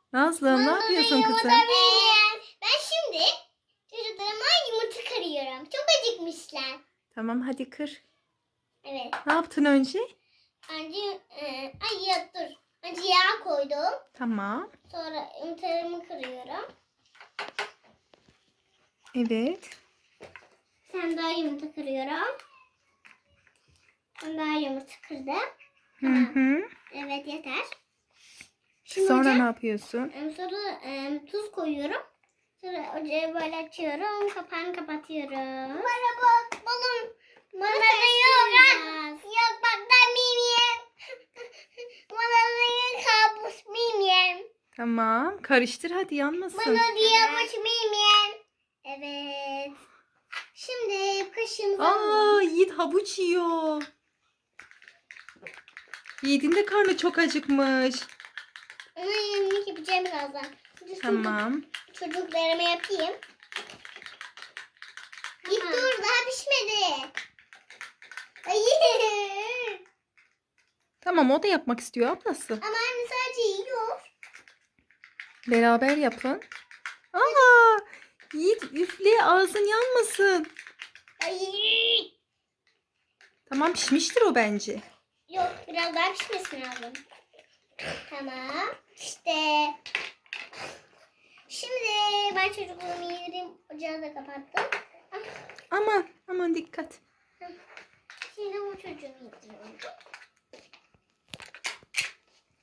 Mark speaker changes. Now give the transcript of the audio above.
Speaker 1: Nazlım ne yapıyorsun kızım?
Speaker 2: Ben şimdi çocuklarıma yumurta kırıyorum. Çok acıkmışlar.
Speaker 1: Tamam hadi kır.
Speaker 2: Evet.
Speaker 1: Ne yaptın önce?
Speaker 2: Önce ay ya dur. Önce yağ koydum.
Speaker 1: Tamam.
Speaker 2: Sonra yumurtalarımı kırıyorum.
Speaker 1: Evet.
Speaker 2: Sen daha yumurta kırıyorum. Ben daha yumurta kırdım.
Speaker 1: Hı hı.
Speaker 2: Evet yeter. Şimdi
Speaker 1: Sonra
Speaker 2: hocam,
Speaker 1: ne yapıyorsun?
Speaker 2: sonra tuz koyuyorum. Sonra ocağı böyle açıyorum. Kapağını kapatıyorum. Bana bak balım. Bana da yok. Yok bak ben miyim? Bana da kabus miyim?
Speaker 1: Tamam. Karıştır hadi yanmasın.
Speaker 2: Bana diyormuş miyim? Evet. Şimdi kaşığımızı
Speaker 1: Aa, Yiğit havuç yiyor. Yiğit'in de karnı çok acıkmış.
Speaker 2: Ona yemek yapacağım birazdan. Şimdi
Speaker 1: Tamam.
Speaker 2: çocuklarıma yapayım. Git dur daha pişmedi. Hayır.
Speaker 1: Tamam o da yapmak istiyor ablası.
Speaker 2: Ama anne sadece yiyor.
Speaker 1: Beraber yapın. Aa, Yiğit üfle ağzın yanmasın.
Speaker 2: Hayır.
Speaker 1: Tamam pişmiştir o bence.
Speaker 2: Yok biraz daha pişmesi lazım. Tamam. İşte. Şimdi ben çocuklarımı yedim. Ocağı da kapattım.
Speaker 1: Aman aman dikkat.
Speaker 2: Şimdi bu çocuğumu yediriyorum.